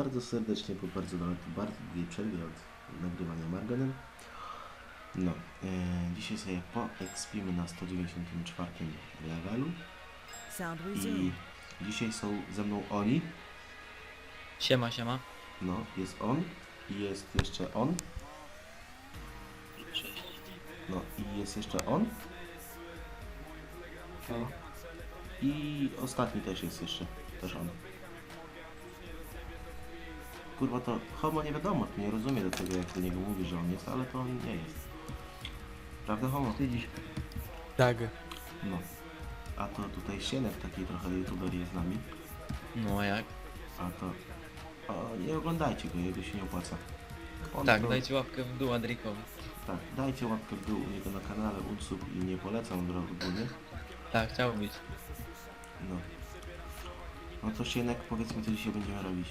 bardzo serdecznie po bardzo długiej przerwie od nagrywania Marganem. No, dzisiaj sobie poekspimy na 194 levelu i dzisiaj są ze mną oni. Siema, siema. No, jest on i jest jeszcze on. No i jest jeszcze on. No. I ostatni też jest jeszcze, też on. Kurwa, to Homo nie wiadomo, to nie rozumie do tego, jak do niego mówi, że on jest, ale to on nie jest. Prawda, Homo? Wstydzisz. Tak. No. A to tutaj Sienek, taki trochę youtuber jest z nami. No a jak? A to... O, nie oglądajcie go, jego się nie opłaca. On Tak, to, dajcie łapkę w dół Adrikowi. tak, dajcie łapkę w dół u niego na kanale, unsub i nie polecam ogólnie. Tak, chciał być. No. No to Sienek, powiedzmy, co dzisiaj będziemy robić.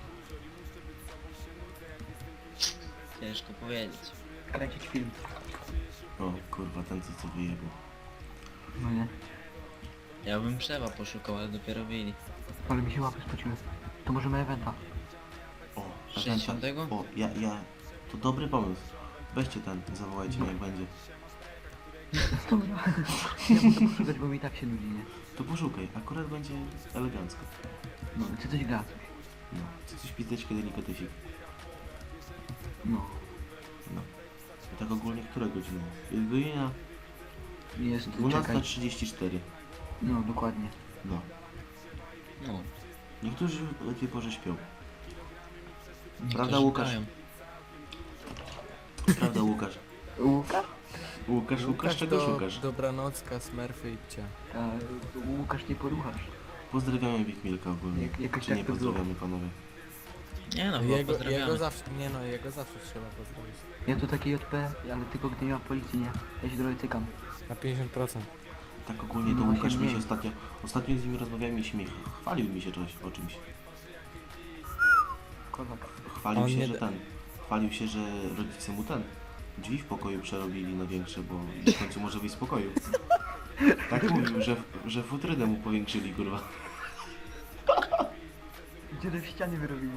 Ciężko powiedzieć. Kręcić film. O, kurwa, ten co wyjebał. No nie. Ja bym Przewa poszukał, ale dopiero wyjęli. Ale mi się łapy spociły. To możemy eventa. O, 60? O, to dobry pomysł. Weźcie ten, zawołajcie mnie jak będzie. Dobra. Ja muszę poszukać, bo mi tak się nudzi, nie? To poszukaj, akurat będzie elegancko. No, czy coś gra? No, chcę coś pizdeczkę delikatesik. No. No. I tak ogólnie która godzina? Jest godzina Jest, czekaj. 12:34. No, dokładnie. No. No. Niektórzy o tej porze śpią. Niektórzy Prawda, Łukasz? grają. Prawda, Łukasz? Łukasz? Łukasz, czego szukasz? Dobranocka, Smurfy i pcia. A, Łukasz nie poruchasz. Pozdrawiamy Big Milka ogólnie. Jakoś Czy tak nie to było. pozdrawiamy, panowie? Nie no, chyba Jego pozdrawiamy. zawsze, nie no, jego zawsze trzeba pozdrowić. Ja to taki JP, ale tylko gdy nie ma policji, nie? Ja się trochę cykam. Na 50%. Tak ogólnie to No, Łukasz właśnie mi się mniej. ostatnio z nim rozmawiałem i chwalił mi się o czymś. Kozak. Chwalił On się, nie że da- chwalił się, że rodzice mu drzwi w pokoju przerobili na większe, bo w końcu może wyjść z pokoju. Tak mówił, że futrynę mu powiększyli, kurwa. Dziurę w ścianie wyrobili.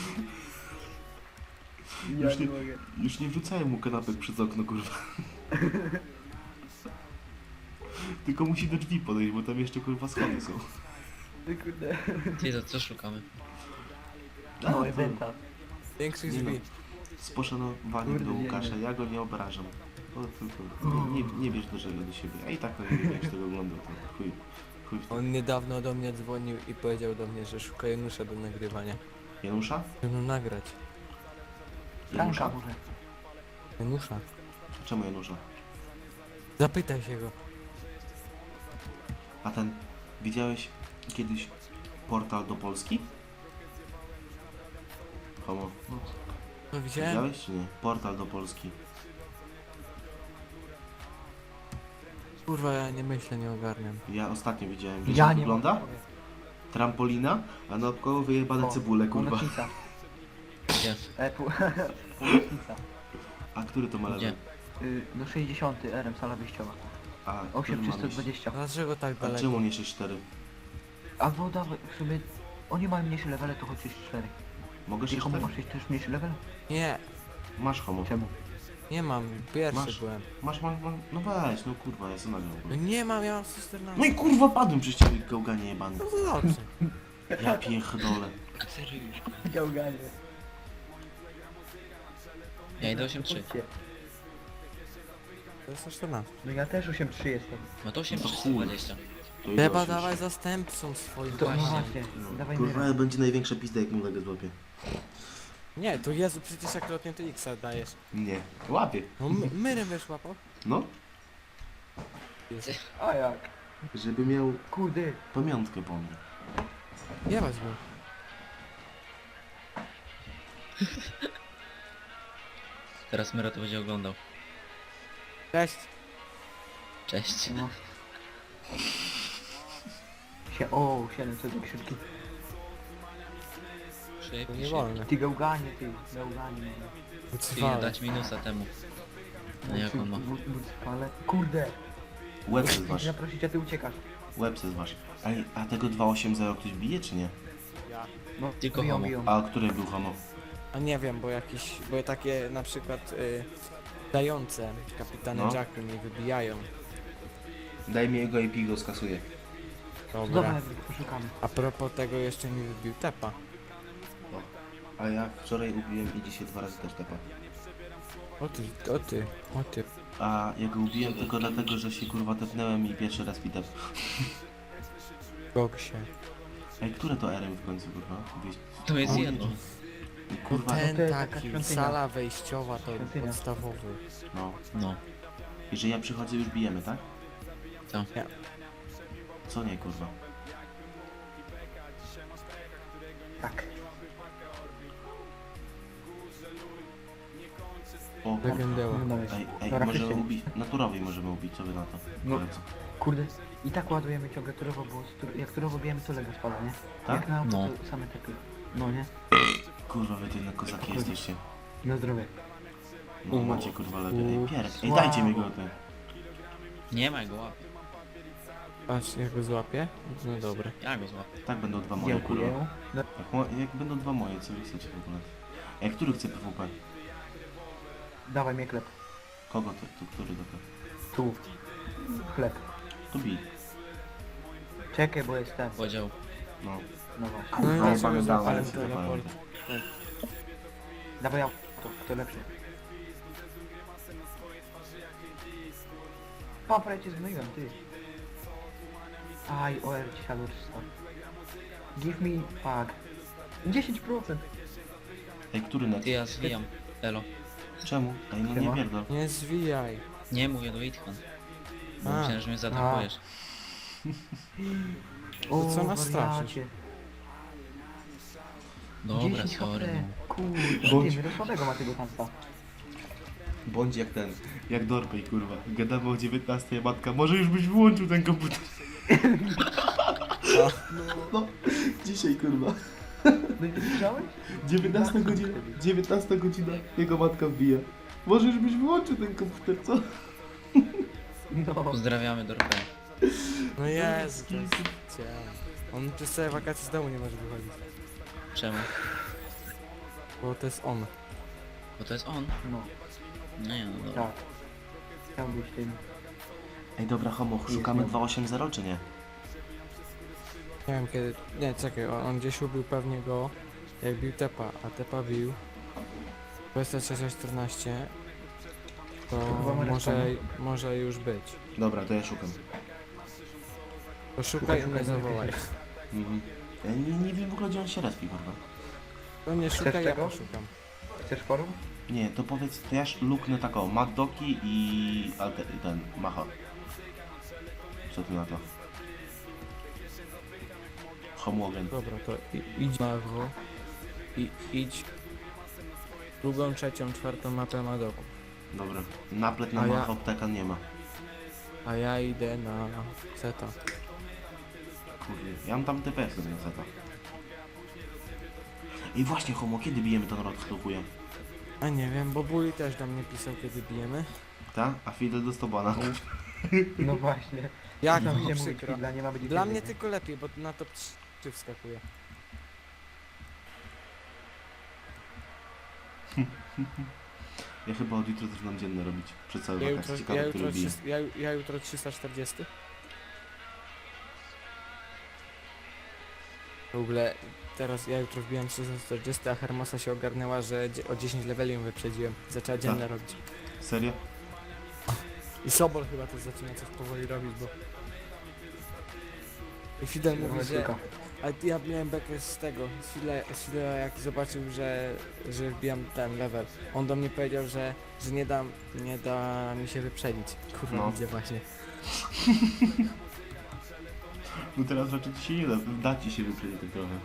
Już nie- Już nie wrzucają mu kanapek przez okno, kurwa. Tylko musi do drzwi podejść, bo tam jeszcze, kurwa, schody są. Ty kurde. Ty, to co szukamy? No, eventa. Większych Nie no. drzwi. Z poszanowaniem Kurde, do Łukasza, nie. ja go nie obrażam. To tylko nie bierz do siebie. A i tak to nie będziesz tego oglądał, to chuj w to. On niedawno do mnie dzwonił i powiedział do mnie, że szuka Janusza do nagrywania. Janusza? Żeby mną nagrać. Franka Janusza? może. Janusza. Czemu Janusza? Zapytaj się go. A ten, widziałeś kiedyś portal do Polski? Homo, No widziałem? widziałeś czy nie? Portal do Polski. Kurwa, ja nie myślę, nie ogarniam. Ja ostatnio widziałem, wiesz Ja jak nie wygląda? mam. Trampolina, a naokoło wyjebane cebule, kurwa. Północznica. Gdzie? Północznica. A który to ma level? Gdzie? No 60 RM, sala wyjściowa. A, 8 który ma 320. Dlaczego tak A daleko? czemu nie 6-4? A no dawaj, w sumie... Oni mają mniejsze levele, to choć 4. Mogę Ty komu 6-4? masz też mniejszy level? Nie, Masz homo. Czemu? nie mam. Pierwszy Masz. byłem. Masz, no weź, no kurwa, ja sobie nagrał. No nie mam, ja mam 114. No i kurwa padłem przez ciebie, gałganie jebany. No to dobrze. Ja pierdolę. Gałganie. Ja idę 8-3. To jest 114. No ja też 8-3 jestem. No to No to 8-3, chuj. 20. To Trzeba idę dawaj osiąść. zastępcą swoim. To no Właśnie. właśnie, No, dawaj kurwa, myra. będzie największa pizda, jak mu legę złapie. Nie, to Jezu, przecież jak lotnie to X dajesz. Nie, łapie. No myrem wiesz łapał? No, A jak? żeby miał Kurde. pamiątkę po mnie. Jebać go. Teraz Myro to będzie oglądał. Cześć. Cześć. No. O, 700 do krzywki. To nie Szybki, wolno. Ty gałganie, ty. Gałganie. Ty, Ucwale. dać minusa temu. No jak on ma? Ale kurde. Łeb se Chcę zważ, cię zaprosić, a ty uciekasz. łeb se zważ. A tego 2.8.0 ktoś bije, czy nie? Ja. No, Tylko biją, homo. biją. A który był homo? A nie wiem, bo takie na przykład dające kapitany No. Jacku mnie wybijają. Daj mi jego IP, go skasuję. Dobra. Dobra, poszukamy. A propos tego jeszcze mi wybił tepa. A ja wczoraj ubiłem i dzisiaj 2 razy też tepa. O ty. A ja go ubiłem tylko dlatego, że się kurwa tepnąłem i pierwszy raz mi tep. Goksie. Ej, które to RM w końcu kurwa? To jest O, jedno. Kurwa, Ten to jest taka taki, świątynia. sala wejściowa to Świątynia. podstawowy. no. No. I że ja przychodzę już bijemy, tak? Co? Nie. Co nie kurwa? Tak. O kurwa. Legendeła. No dawaj. Ej, Dobra, możemy Krystian. ubić, naturowej możemy ubić, co wy na to? No. Koledzy. Kurde. I tak ładujemy ciągle turowo, bo jak turowo bijemy, to lega spada, nie? Tak? Jak na auto, No. to same takie. No nie? Kurwa, wy to jednak kozaki jesteście. Na zdrowie. No macie kurwa lepiej. Ej, Pierek, ej Słabo. dajcie mi go ty. Nie ma go łapy. Patrz, jak go złapię? No dobra. Ja go złapię. Tak będą 2 moje kurwa. Dziękuję. No, Jak będą 2 moje, co wy chcecie w ogóle? Ej, który chce PWP? dawaj mnie chleb. Kogo to który dobra? Tu. Chleb. To bij. Czekaj, bo jestem. Podział. No. No właśnie. No i No, dlaczego pamiętałem, złapałem ale się teleport? zapałem. Dawaj auto, to lepsze. Papra, ja cię zmyliłem, ty. Aj, OR ci siadło 300. Give me, fuck. 10%. Ej, który net? Ty ja zwijam. Elo. Czemu? Ej, no nie Siema. pierdol. Nie zwijaj. Nie mówię do Itchan. Bo A. myślałem, że mnie zaatakujesz. To co nas wariacie. Dobra, 10 sorry. HP. No. Kurde, Bądź- nie do słabego ma tego tamta. Bądź jak ten, jak Dorpej kurwa. Gadamy o 19, matka, może już byś wyłączył ten komputer. No, dzisiaj kurwa. No i ty słyszałeś? 19 godzina, 19 godzina, jego matka wbija. Może już byś wyłączył ten komputer, co? No. Pozdrawiamy Dorpę. No jest, to jest cię. On przez całe wakacje z domu nie może wychodzić. Czemu? Bo to jest on. Bo to jest on. No, Nie, no dobra. tak. Chciał być tym. Ej, dobra, homo, szukamy 280 czy nie? Nie wiem kiedy. Nie, czekaj, on gdzieś ubił pewnie go, jak bił Tepa, a Tepa bił 2314, to chyba ma może już być. Dobra, to ja szukam. To szukaj i Szukaj, mnie szukaj, zawołaj. Mhm. Ja nie wiem w ogóle gdzie on się respi, kurwa. To nie szukaj, ja tego? poszukam. Chcesz forum? Nie, to powiedz, to ja luknę taką, Maddoki i ten, Macha. Co ty na to? Homogen. Dobra, to idź Mago i idź drugą, trzecią, czwartą mapę Madoku. Dobra. Naplet na A ja- Macha apteka nie ma. A ja idę na Zeta. Kurde, ja mam tam TPS na zeta. I właśnie, homo, kiedy bijemy ten rok sklepuje? A nie wiem, bo Bully też do mnie pisał kiedy bijemy. Ta? A Fidel do Stobana. No właśnie. Jak Tam no, się mówi, przykro. dla nie ma być Dla kiedy, mnie nie? tylko lepiej, bo na top 3 wskakuje. Ja chyba od jutra zaczynam dzienne robić. Przed całe Ja wakacje. jutro, Ciekawe, ja, który jutro, bije. 300 ja jutro 340. W ogóle teraz ja jutro wbijam 340, a Hermosa się ogarnęła, że o 10 leveli ją wyprzedziłem. Zaczęła dzienne robić. Serio? I Sobol chyba też zaczyna coś powoli robić, bo... I Fidel mówi, że... Tylko. A ja miałem bekę z tego, z Fidela jak zobaczył, że wbijam ten level. On do mnie powiedział, że nie da mi się wyprzedzić. Kurwa, No. widzę właśnie. No teraz raczej ci się nie da ci się wyprzedzić tak trochę.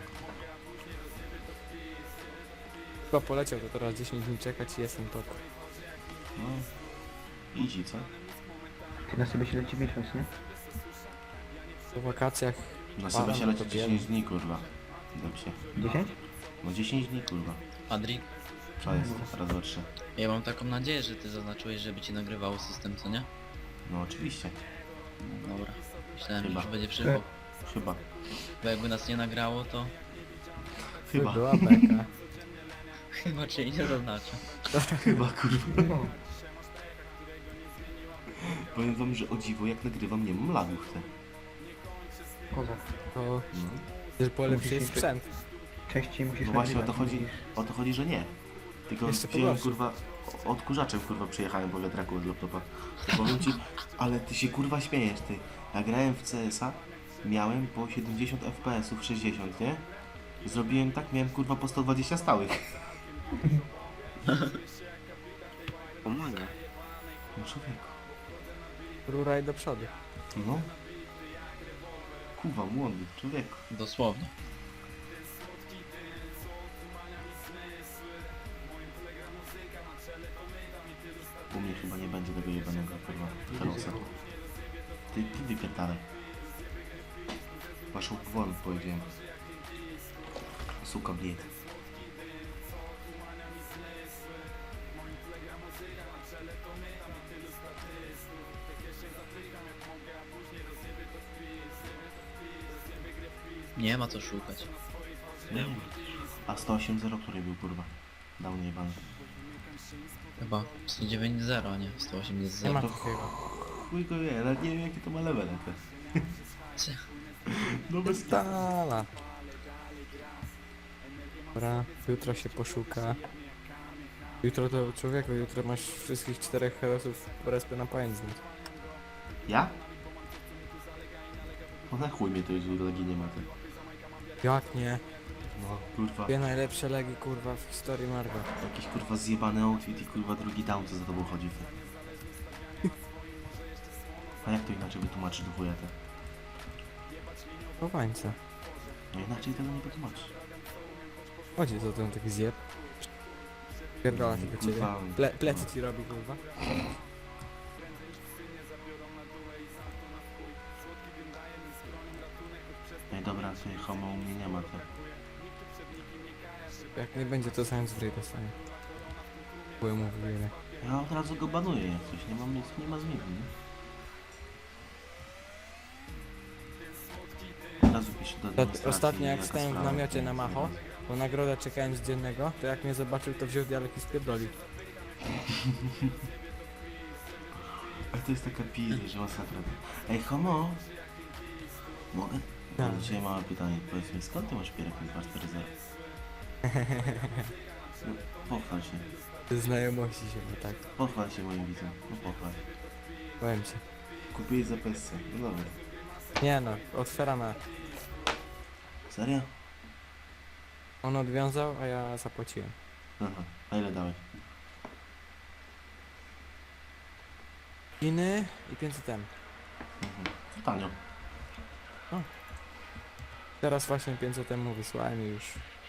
Chyba poleciał, to teraz 10 dni czekać i jestem top. No. Easy, co? Ty na sobie się leci miesiąc, nie? Po wakacjach Na sobie się no leci to 10 dni, kurwa. Dobrze. 10? No 10 dni, kurwa. Adri, To jest, raz, dwa, trzy. ja mam taką nadzieję, że ty zaznaczyłeś, żeby ci nagrywało system, co nie? No oczywiście. Dobra. Myślałem, Chyba. że już będzie przyszło. Chyba. Bo jakby nas nie nagrało, to Chyba. Była beka. Chyba cię nie zaznacza. Chyba, kurwa. No. Powiem wam, że o dziwo, jak nagrywam, nie mam lagów te. Kozak. To No. też polepszy Musisz- sprzęt. Częściej musisz No właśnie o to nagrywać, chodzi, musisz- o to chodzi, że nie. Tylko Jeszcze wziąłem, pogorszy. kurwa, odkurzaczem, kurwa, przyjechałem po wiatraku od laptopa. To powiem ci, ale ty się, kurwa, śmiejesz, ty. Ja grałem w CS-a, miałem po 70 FPS-ów, 60, nie? Zrobiłem tak, miałem, kurwa, po 120 stałych. Pomaga. No człowieku. Ruraj do przodu. No. Kurwa, młody, człowieku. Dosłownie. U mnie chyba nie będzie tego jebanego, kurwa, Herosa. Ty wypierdalaj. Waszą wolę powiedziałem. Suka bied. Nie ma co szukać. A 108.0 który był, kurwa? Dał nie jebany. Chyba 109.0, a nie Nie ma 180.0. takiego. Chuj go wie, ale nie wiem jakie to ma levele te. Cie. No bez Stala. Dobra, jutro się poszuka. Jutro to człowieku, jutro masz wszystkich 4 herosów respy na pamięć znać. Ja? No na chuj mnie to już legi nie ma te. Jak nie? No kurwa. Dwie najlepsze legi kurwa w historii Marvel. Jakiś kurwa zjebany outfit i kurwa drugi down co za tobą chodzi te. A jak to inaczej wytłumaczyć do chuja te? Chowańca. No inaczej tego nie wytłumaczysz. Chodzi za ten taki zjeb. Pierdala tylko ciebie. Kurwa. Plecy ci robi kurwa. Ej dobra, tutaj homo u mnie nie ma te. Jak nie będzie to sam z gry dostanie. Byłem mu wiele. Ja od razu go banuję jak coś, nie mam nic, nie ma zmiany, nie? Od razu piszę do administracji, Ostatnio jak jaka stałem w sprawa, namiocie nie na Macho, wiem. bo nagrodę czekałem z dziennego, to jak mnie zobaczył to wziął dialek i spierdolił. Ale to jest taka pizda, że masakra. Ej homo! Mogę? Tak. Mam do ciebie małe pytanie, powiedz mi, skąd ty masz pierak 240? No, pochwal się. Znajomości się, bo tak. Pochwal się moim widzom. No pochwal. Powiem ci. Kupiłeś za PSC. No dobra. Nie no, otwieramy. Serio? On odwiązał, a ja zapłaciłem. Aha. A ile dałeś? Chiny i 500 M. Mhm. To tanio. Teraz właśnie 500 M mu wysłałem i już.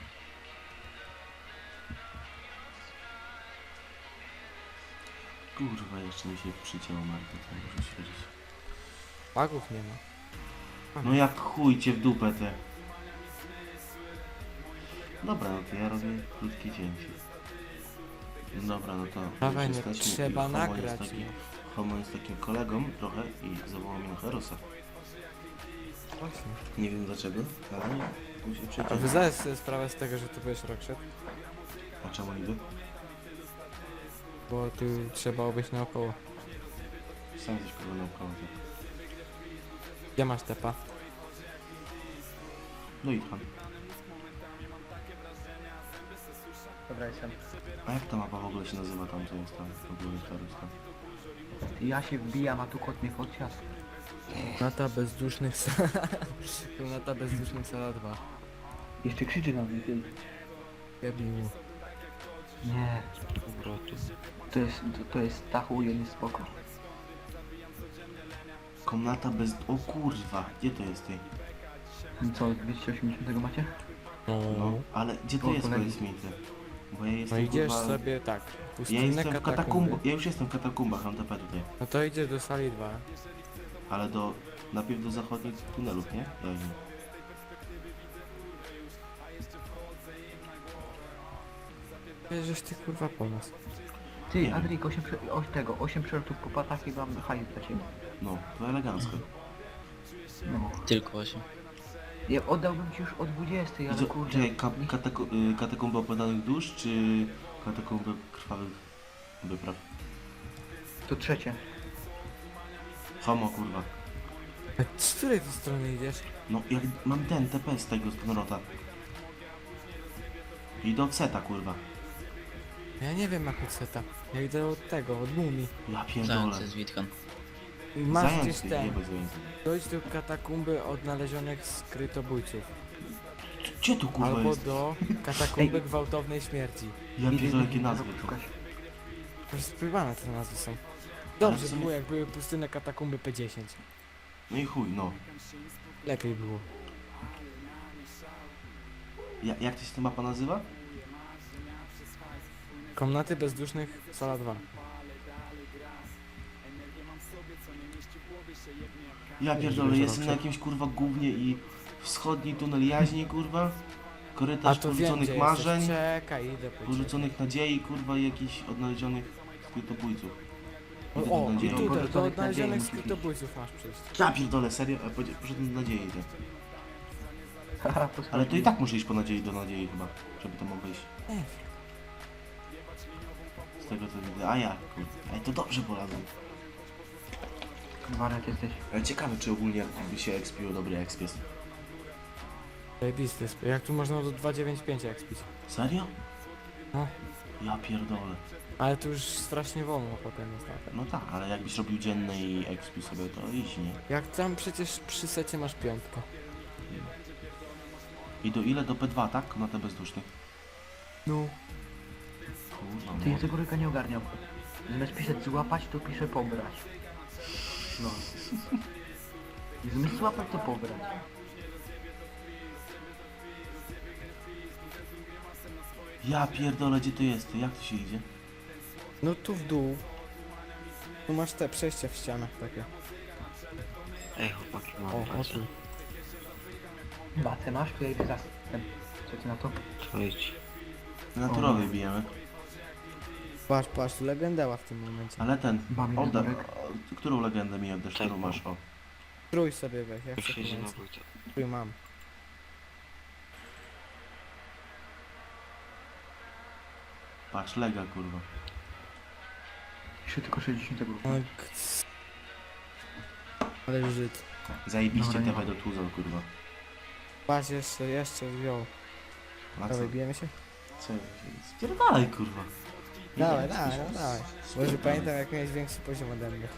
Kurwa, jeszcze mi się przycięło markę, to muszę świeżyć. Pagów nie ma. No jak chuj cię w dupę te. Dobra, no to ja robię krótkie cięcie. Dobra, no to Dawaj, już no jesteśmy i trzeba Homo nagrać. jest taki, Homo jest takim kolegą trochę i zawołał mnie na Herosa. Właśnie. Nie wiem dlaczego, ale mu się A przecięło. wy zdajesz sobie sprawę z tego, że tu będziesz Rockshot? A czemu niby? Bo tu trzeba obejść naokoło. Sam jesteś kurwa naokoło. Tak. Gdzie masz tepa? No i tam. Dobra, jestem. A jak ta mapa w ogóle się nazywa tam, co jest tam? W ogóle Ferus tam. Ja się wbijam, a tu kot mnie podsiadł. Nata bezdusznych Nata bezdusznych sala 2. Jeszcze krzyczy na mnie, ty. Jebił. Nie. To jest Stachu i on jest spoko. Komnata bez... O kurwa, gdzie to jest ty? Co, 280 macie? No, ale gdzie to O, jest, kolegi. powiedz mi ty? Bo ja No jestem idziesz kurwa... sobie tak. Ja Pustynne jestem w katakumby. katakumbach, ja już jestem w katakumbach, mam TP tutaj. No to idziesz do sali 2. Ale do... najpierw do zachodnich tunelów, nie? Ja wiem. Bierzesz ty kurwa po nas. Ty, Nie. Adrik, 8 przelotów po patach i mam hajs dla ciebie. No, to elegancko. No. Tylko 8. Ja oddałbym ci już o 20, ale Idzie, kurde. czekaj, katakomby opadanych dusz, czy katakomby krwawych wypraw? To trzecie. Homo, kurwa. A z której ty strony idziesz? No, jak mam ten TP z tego, z Gnrota. I do Odseta, kurwa. Ja nie wiem jak od seta. Ja idę od tego, od mumii. Ja pierdolę. Zając z Witką. Masz gdzieś Zając, ten. jebać zając. Dojdź do katakumby odnależonych skrytobójców. Gdzie tu, kurwa, Albo jest? do katakumby gwałtownej śmierci. Ja Idę, pierdolę, idę, jakie idę nazwy to. poszukać. Już spływane te nazwy są. Ale Dobrze w sumie- było jak były pustynne katakumby P10. No i chuj, no. Lepiej było. Jak to się ta mapa nazywa? Komnaty bezdusznych, sala 2. Ja Nie, pierdolę, żeby jestem na zobaczyć. jakimś, kurwa, gównie i wschodni tunel jaźni, kurwa. A Korytarz to wiem gdzie porzuconych marzeń, jesteś. Czekaj, idę po ciebie. porzuconych nadziei, kurwa, i jakichś odnalezionych skrytobójców. Idę O, do i nadziei. tutaj, do Porzuconych odnależonych nadziei musi skrytobójców masz przyjść. Ja pierdolę, serio? A poszedłem do nadziei, idę. Haha, Ale to i tak muszę iść po nadziei do nadziei chyba, żeby tam obejść. Nie. Z tego co widzę. A ja, kurwa. Ej, to dobrze polazłem. Wariat jesteś. Ale ciekawe, czy ogólnie by się expiło dobry exp jest. Zajebisty jest. Jak tu można do 2.9.5 expić. Serio? No. Ja pierdolę. Ale tu już strasznie wolno potem jest na ten. No tak, ale jakbyś robił dzienny i expił sobie, to idź, nie? Jak tam przecież przy secie masz piątkę. I do ile? Do P2, tak? Na te bezdusznych. No. Kurwa, Ty no. ja tego ryka nie ogarniał. Zamiast pisać złapać, to piszę pobrać. No. I zamiast złapać, to pobrać. Ja pierdolę, gdzie to jest? Jak to się idzie? No tu w dół. Tu masz te przejścia w ścianach takie. Ej chłopaki, mam O, o pracę. tu. Bacę masz, to ja idę za ten. Co ty na to? To idź. Naturowej bijemy. Patrz, patrz, tu legendała w tym momencie. Ale ten, Mam odda... Jurek. Którą legendę mi oddasz, którą Tak. masz? O. Trój sobie weź, ja chcę Już idzie na pomocy. wójta. Trój mam. Patrz, lega, kurwa. Jeszcze tylko 60 grup. O, kc. Ale Żyd. Zajebiście Dobra, nie TP ma. do Tuzol, kurwa. Patrz, jeszcze wziął. A co? Dawaj, bijemy się? Co? Spierdalaj, kurwa. Dawaj, Nie, dawaj, spierdalaj. no dawaj. Może Spierdalaj. pamiętam jak miałeś większy poziom ode mnie.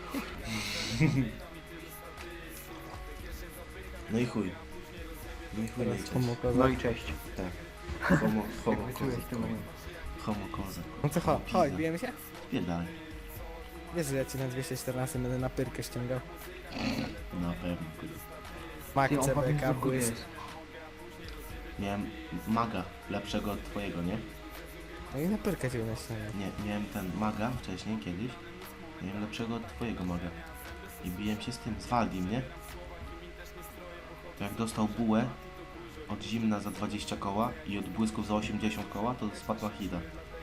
No i chuj. No i chuj, no i Teraz cześć. homo No kozak. i cześć. Tak. Homo, Jak homo, wyczułeś kozak. to moje. Homo, kozak. No to chodź, Pizda. chodź, bijemy się? Spierdalaj. Wiesz, że ja cię na 214 będę na pyrkę ściągał. Na pewno, kurwa. Mak Ty on powiem CBK z błysk. jest. Miałem maga lepszego od twojego, nie? No i na pyrkę cię będę ściągał. Nie, miałem ten maga wcześniej, kiedyś. Miałem lepszego od twojego maga. I biłem się z tym, z Waldim, nie? To jak dostał bułę od zimna za 20 koła i od błysków za 80 koła, to spadł na hida.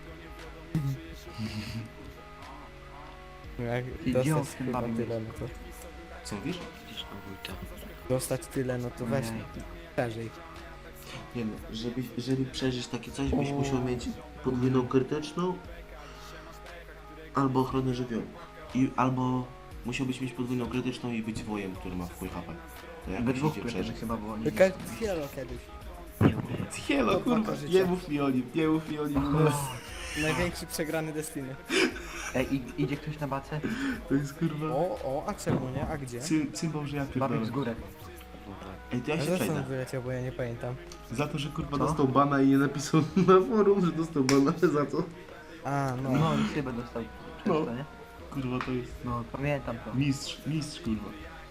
No jak Ty gdzie on dostać w tym chyba bawił? tyle, no to... Co mówisz? Idziesz na wójta. Dostać tyle, no to weź Nie. szerzej. Nie no, żeby przeżyć takie coś, byś musiał mieć podwójną krytyczną albo ochronę żywiołów. Albo musiałbyś mieć podwójną krytyczną i być wojem, który ma wpływ HP. To jak We się dwóch idzie krytycznych przeżyć? chyba było. Nie Tylko Hielo kiedyś. Hielo, To kurwa, paka życia. nie mów mi o nim, nie mów mi o nim. Największy przegrany Destiny. Ej, idzie ktoś na bacę? To jest kurwa... O, a czemu nie? A gdzie? Cymbał, że ja Babik z pierdolę. górę. Dobra. Ej, to ja A się zresztą przejdę. wyleciał, bo ja nie pamiętam. Za to, że kurwa Co? dostał bana i nie napisał na forum, że dostał bana, za co? A, no. No i szybę dostał. Często, No. nie? Kurwa, to jest No, pamiętam to. mistrz, kurwa.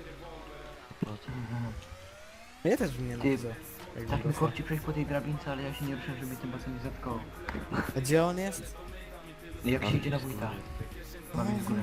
Mnie też bym nie Ty, napisał. jakby Tak mi dostał. korci przejść po tej drabince, ale ja się nie ruszę, żeby tym basem nie zatkało. A gdzie on jest? Jak się idzie na wójta? Babik z górę.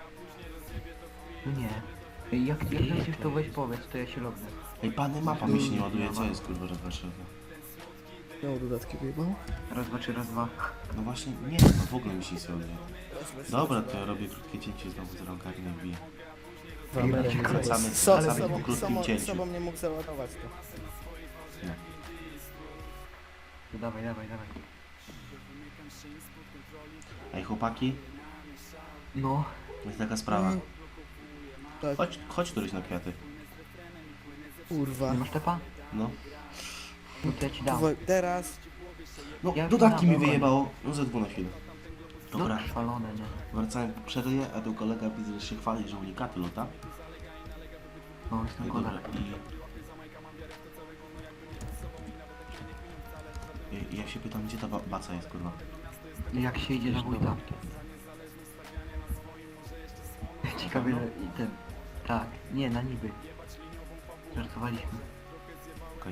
No nie. Ej, jak lecisz, to weź powiedz, to ja się lognę. Ej, pany, mapa mi się nie ładuje, co jest kurwa, że Warszawa? Miał dodatki wyjebał? Raz, dwa, trzy, raz, dwa. No właśnie, nie, no w ogóle mi się nie ładuje. Dobra, to ja robię krótkie cięcie znowu z rąkami na wbiję. Wracamy Wracamy po krótkim sobą cięciu. nie mógł załadować to. To dawaj, dawaj, dawaj. Ej, chłopaki, No, jest taka sprawa. Tak, Chodź któryś na kwiaty. kurwa. nie masz tepa? No. No to ja ci dam. Kurwa, teraz No, Ja dodatki znam, mi dobra. wyjebało. No ze dwu na chwilę. Dobra, No, szalone, nie? wracałem po przerwie, a tu kolega widzę, że się chwali, że unikaty lota. No, No jestem i kolega. dobra, i ja się pytam, gdzie ta baca jest, kurwa? Jak się idzie na wójta? Ciekawie, że i ten... Tak, nie, na niby. Żartowaliśmy. Okej.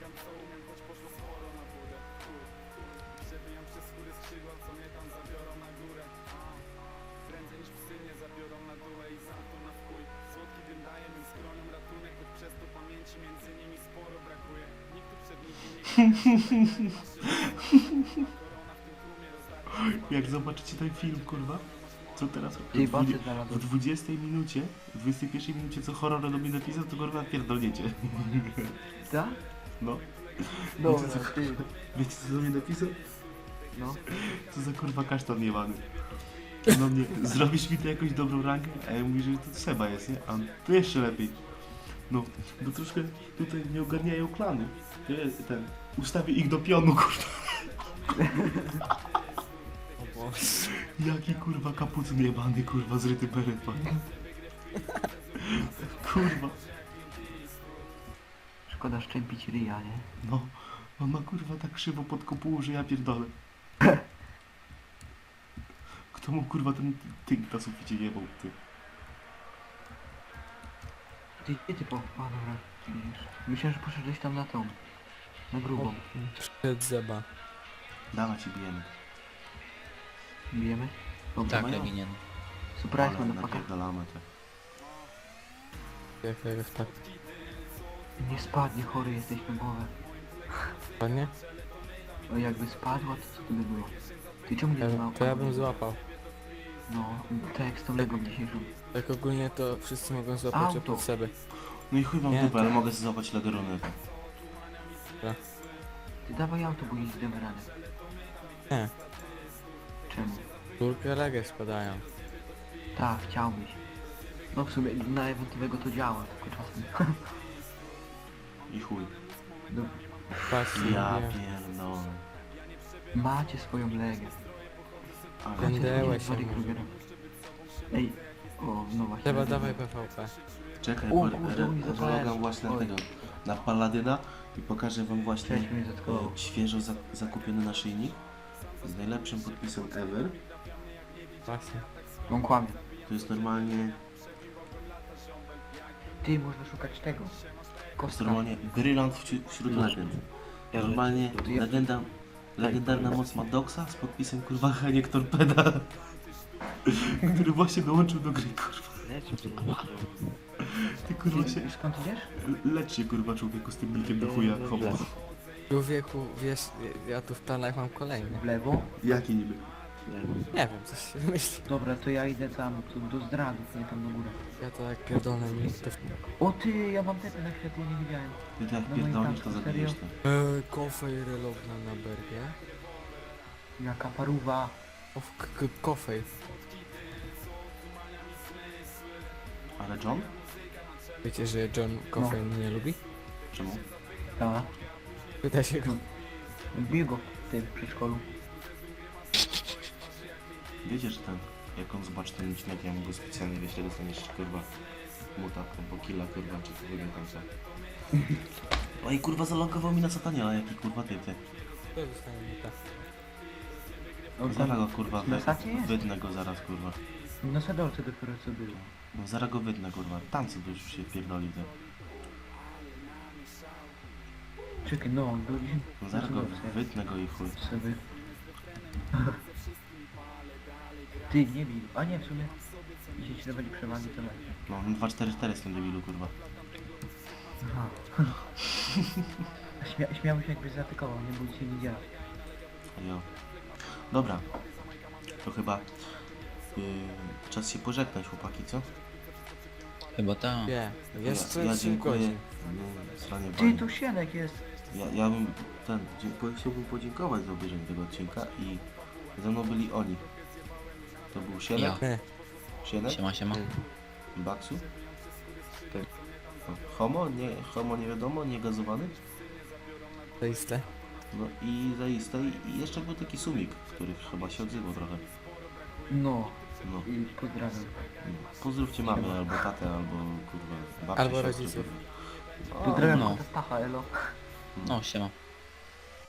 Jak zobaczycie ten film, kurwa, co teraz Tej bacy w znalazłem. 20 minucie, w 21 minucie co horror do mnie napisał, to kurwa pierdolniecie. Tak? No. Dobra, co- ty. Wiecie co do mnie napisał? No. Co za kurwa kasztan jebany. No mnie, zrobisz mi to jakąś dobrą rangę? A ja mówię, że to trzeba jest, nie? A on, to jeszcze lepiej. No, bo troszkę tutaj nie ogarniają klanu. Ten, ustawię ich do pionu, kurwa. o Boże. Jaki kurwa kapucyn jebany, kurwa, zryty beret ma. Kurwa. Szkoda szczępić ryja, nie? No, on ma kurwa tak krzywo pod kopułą, że ja pierdolę. Kto mu kurwa ten tynk na suficie jebał, ty? Ty, gdzie ty po... A, dobra. Widzisz. Myślałem, że poszedłeś tam na tą. Na grubą. Przed zeba. Dawać i bijemy. Bijemy? Dobra. Tak, mają? Leginian. Surprise Ale mam na pakę. napierdalamy te. Jak tak. Nie spadnie, chory jesteś na głowę. Ładnie? O, jakby spadła, to co to by było? Ty czemu nie ma... To ja bym złapał. No, tak jak z tą legą dzisiejszą. Tak ogólnie to wszyscy mogą złapać Auto. oprócz sobie. No i chuj wam Nie, dupę, to- ale mogę sobie złapać legerunę. Ty dawaj auto, bo nie zdamy radę. Nie. Czemu? Górkę legę spadają. Tak, chciałbyś. No w sumie na ewentowego to działa, tylko czasem. I chuj. No, Patrz, Ja nie. pierdolę. macie swoją legę. Ale Będę- Freddy Krugera. Ej, o, no właśnie. Trzeba dawaj PvP. czekaj, O, bo kurde, oni zapalają. zaglądam właśnie na Oj. tego, na Paladyna i pokażę wam właśnie Cześć, mnie zatkowało. świeżo zakupiony naszyjnik z najlepszym podpisem ever. Właśnie. On kłamie. To jest normalnie, Ty, można szukać tego. to jest Kostka. normalnie brylant wśród legend. Normalnie legendarna moc Maddoxa z podpisem kurwa Heniek Torpeda, który właśnie dołączył do gry, kurwa. Ty kurwa się, Ty, skąd idziesz? lecz się kurwa człowieku z tym nikiem do chuja chowa. Człowieku, wiesz, ja tu w planach mam kolejny. W lewo? Jaki niby? Nie wiem, coś się myśli. Dobra, to ja idę tam do zdradów, nie tam do góry. Ja to jak pierdolę mi to... O ty, ja mam tepę na światło, nie widziałem. Ty tak No pierdolisz, i to tak, zabijesz serio? to. Kofej relogna na bergie. Jaka paruwa. O, kofej. Ale John? Wiecie, że John Coffey nie lubi? Czemu? Ta. Pyta się go. Bił go w tym przedszkolu. Wiecie, że ten, jak on zobaczy ten odcinek, ja mu go specjalnie wyślę, dostaniesz kurwa muta albo killa kurwa, czy co wygląda tam co. Oj kurwa zalogował mi na sataniela, jaki kurwa ty. To zostanie mi tak. On Zaraz tam go kurwa, na sacie jest? wydnę go zaraz kurwa. na sadolce dopiero co było. No zaraz go wydnę kurwa, tam co już się pierdoli to. Czekaj, no, byliśmy No zaraz go wytnę go i chuj. sobie. Ty, nie bij. A nie, w sumie. Jeśli ci dawali przewagi, to lepiej. No 2-4-4 z tym debilu kurwa. Aha. Śmiał się jakbyś zaatakował, nie bój się nie działa. Jo. Dobra. To chyba czas się pożegnać chłopaki, co? Chyba tak. Nie, jeszcze ja 3 dziękuję. godzin. No, sranie Ty, bani. tu Sienek jest. Ja bym chciałbym podziękować za obejrzenie tego odcinka i ze mną byli oni. To był Sienek, Ja. Sienek, Siema, siema. Baksu, Tak. Homo nie wiadomo, niegazowany, Zaiste. no i zaiste i jeszcze był taki Sumik, który chyba się odzywał trochę. No, No, i pozdrawiam. pozdrówcie mamy albo tatę, albo kurwa babcię, Albo siostrę, rodziców. kurwa. Pozdrawiam no. Stacha, elo. No, siema.